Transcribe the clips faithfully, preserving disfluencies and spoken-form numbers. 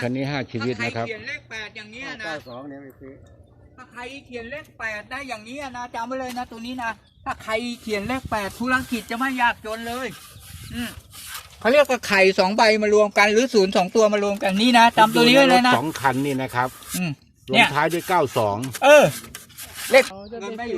คันนี้ห้าชีวิตนะครับถ้าใครเขียนเลขแปดอย่างเงี้ยนะเก้าสองเนี่ยไม่ซื้อถ้าใครเขียนเลขแปดได้อย่างนี้นะจำไว้เลยนะตัวนี้นะถ้าใครเขียนเลขแปดธุรกิจจะไม่ยากจนเลยอืมเขาเรียกว่าไข่สองใบมารวมกันหรือศูนย์สองตัวมารวมกันนี่นะจำตัวนี้ไว้เลยนะสองคันนี่นะครับอืมลงท้ายด้วยเก้าสองเออเลขเงินไม่อยู่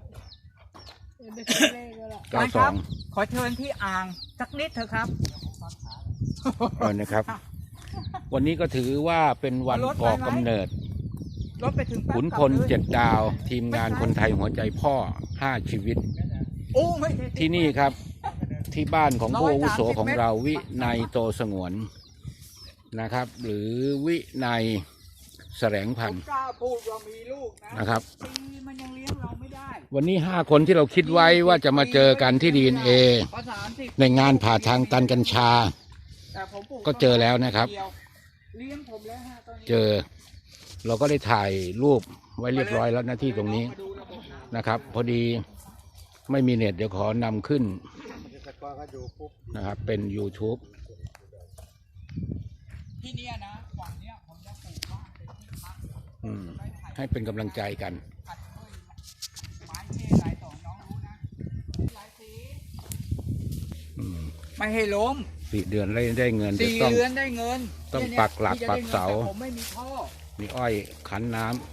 เก้าสองขอเชิญที่อ่างสักนิดเถอะครับเออนะครับ วันนี้ก็ถือว่าเป็นวันก่อกำเนิดขุนพลเจ็ดดาวทีมงานคนไทยหัวใจพ่อห้าชีวิตที่นี่ครับที่บ้านของผู้อาวุโสของเราวินัยโตสงวนนะครับ หรือวินัยแสลงพันธุ์นะครับวันนี้ห้าคนที่เราคิดไว้ว่าจะมาเจอกันที่ ดี เอ็น เอ ในงานผ่าทางตันกัญชาก็เจอแล้วนะครับเจอเราก็ได้ถ่ายรูปไว้เรียบร้อยแล้วหน้าที่ตรงนี้นะครับพอดีไม่มีเน็ตเดี๋ยวขอนำขึ้นนะครับเป็น ยูทูบที่นี่นะฝั่งเนี้ยผมจะปลูกบ้านเป็นที่พักอืมให้เป็นกำลังใจกันไม้เทลายสองน้องรู้นะลายสีไม่ให้ล้มสี่เดือนได้ได้เงินสี่เดือนได้เงินต้องปักหลักปักเสาผมไม่มีท่อมีอ้อยขันน้ำ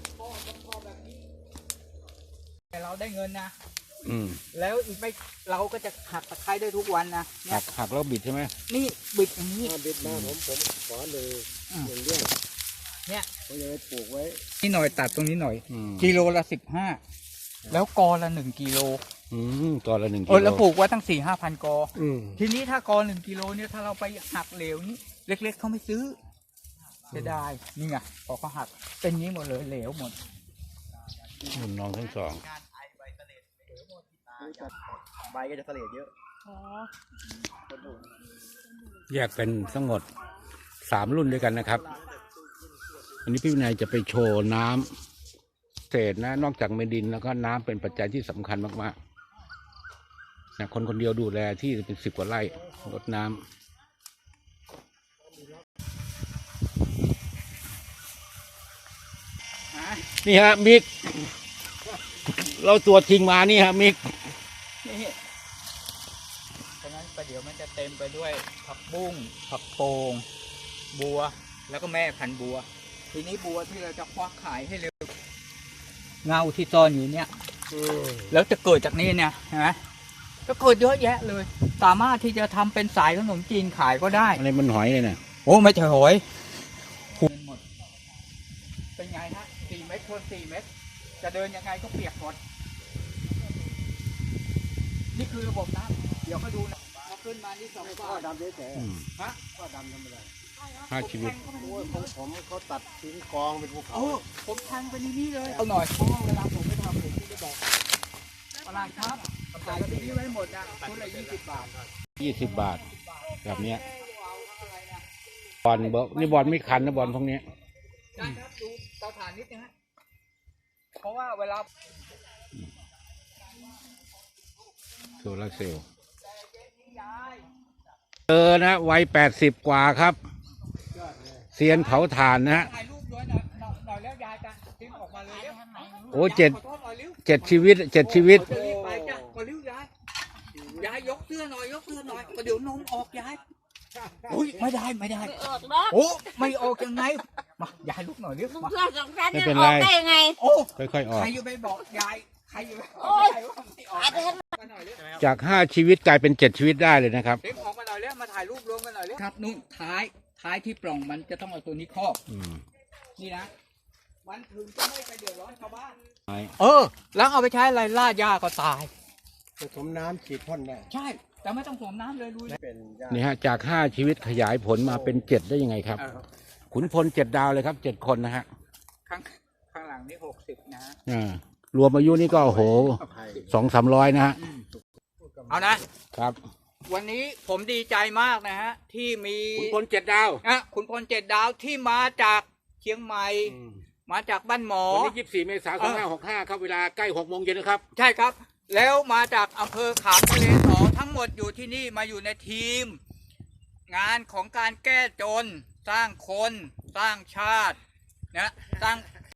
แต่เราได้เงินนะอืมแล้วอีกไม่เราก็จะหักตะไคร้ได้ทุกวันนะหักหักแล้วบิดใช่ไหมนี่บิดอย่างนี้บิดมาผมผมขอเลยหนึ่งเรื่องเนี่ยผมจะไปปลูกไว้นี่หน่อยตัดตรงนี้หน่อยกิโลละสิบห้าแล้วกอละหนึ่งกิโลอืมกอละหนึ่งกิโลแล้วปลูกไว้ตั้งสี่ห้าพันกอทีนี้ถ้ากอหนึ่งกิโลเนี่ยถ้าเราไปหักเหลวนี้เล็กๆเขาไม่ซื้อจะได้นี่ไงพอเขาหักเป็นนี้หมดเลยเหลวหมดหุ่นน้องทั้งสองใบก็จะเสลดเยอะแยกเป็นทั้งหมดสามรุ่นด้วยกันนะครับอันนี้พี่วินัยจะไปโชว์น้ำเศษนะนอกจากเมดินแล้วก็น้ำเป็นปัจจัยที่สำคัญมากๆนะคนคนเดียวดูแลที่เป็นสิบกว่าไร่รดน้ำนี่ฮะมิกเราตัวจริงมานี่ฮะมิกนี่ฉะนั้นประเดี๋ยวมันจะเต็มไปด้วยผักบุ้งผักโป่งบัวแล้วก็แม่พันธุ์บัวทีนี้บัวที่เราจะควักขายให้เร็วเงาที่ซ่อนอยู่เนี่ยแล้วจะเกิดจากนี้เนี่ยเห็นไหมก็เกิดเยอะแยะเลยสามารถที่จะทำเป็นสายขนมจีนขายก็ได้อะไรมันหอยเลยเนี่ยโอ้ไม่ใช่หอยหมดเป็นไงฮะสี่เมตรคูณสี่เมตรจะเดินยังไงก็เปียกหมดนี่คือระบบน้ำเดี๋ยวมาดูนะพอขึ้นมานี่สองก้อนดำเฉยๆฮะก้อนดำทำอะไรห้าชีวิตของผมเขาตัดทิ้งกองเป็นภูเขาผมทางไปนี่เลยเอาหน่อยเพราะว่าเวลาผมไปทำผมที่จะบอกตลาดครับขายที่นี่ไว้หมดนะคนละยี่สิบบาทยี่สิบบาทแบบเนี้ยบอลบอลนี่บอลไม่คันนะบอลพวกนี้ได้ครับดูเตาถ่านนิดนึงฮะเพราะว่าเวลาโซลาร์เซลล์เออนะวัยแปดสิบกว่าครับเซียนเผาถ่านนะฮะโอ้เจ็ดเจ็ดชีวิตเจ็ดชีวิตยายยกเสื้อหน่อยยกเสื้อหน่อยเดี๋ยวนมออกยายอุ้ยไม่ได้ไม่ได้โอ้ไม่ออกยังไงมายายลุกหน่อยเร็วมาไม่เป็นไรโอ้ค่อยๆออกใครอยู่ไปบอกยายใครอยู่จากห้าชีวิตกลายเป็นเจ็ดชีวิตได้เลยนะครับเด็กออกมาหน่อยเร็วมาถ่ายรูปรวมกันหน่อยเร็วครับนู่นท้ายท้ายที่ปล่องมันจะต้องเอาตัวนี้ครอบนี่นะมันถึงจะไม่ไปเดือดร้อนชาวบ้านเออแล้วเอาไปใช้อะไรล่าหญ้าก็ตายผสมน้ำฉีดพ่นได้ใช่แต่ไม่ต้องผสมน้ำเลยลุยนี่ฮะจากห้าชีวิตขยายผลมาเป็นเจ็ดได้ยังไงครับขุนพลเจ็ดดาวเลยครับเจ็ดคนนะฮะข้างข้างหลังนี่หกสิบนะฮะอ่ารวมอายุนี่ก็โอ้โหสองสามร้อยนะฮะเอานะครับวันนี้ผมดีใจมากนะฮะที่มีขุนพลเจ็ดดาวอ่ะขุนพลเจ็ดดาวที่มาจากเชียงใหม่มาจากบ้านหมอวันนี้ยี่สิบสี่เมษายนสองพันห้าร้อยหกสิบห้าครับเวลาใกล้หกโมงเย็นนะครับใช่ครับแล้วมาจากอำเภอขามทะเลสอทั้งหมดอยู่ที่นี่มาอยู่ในทีมงานของการแก้จนสร้างคนสร้างชาตินะสร้าง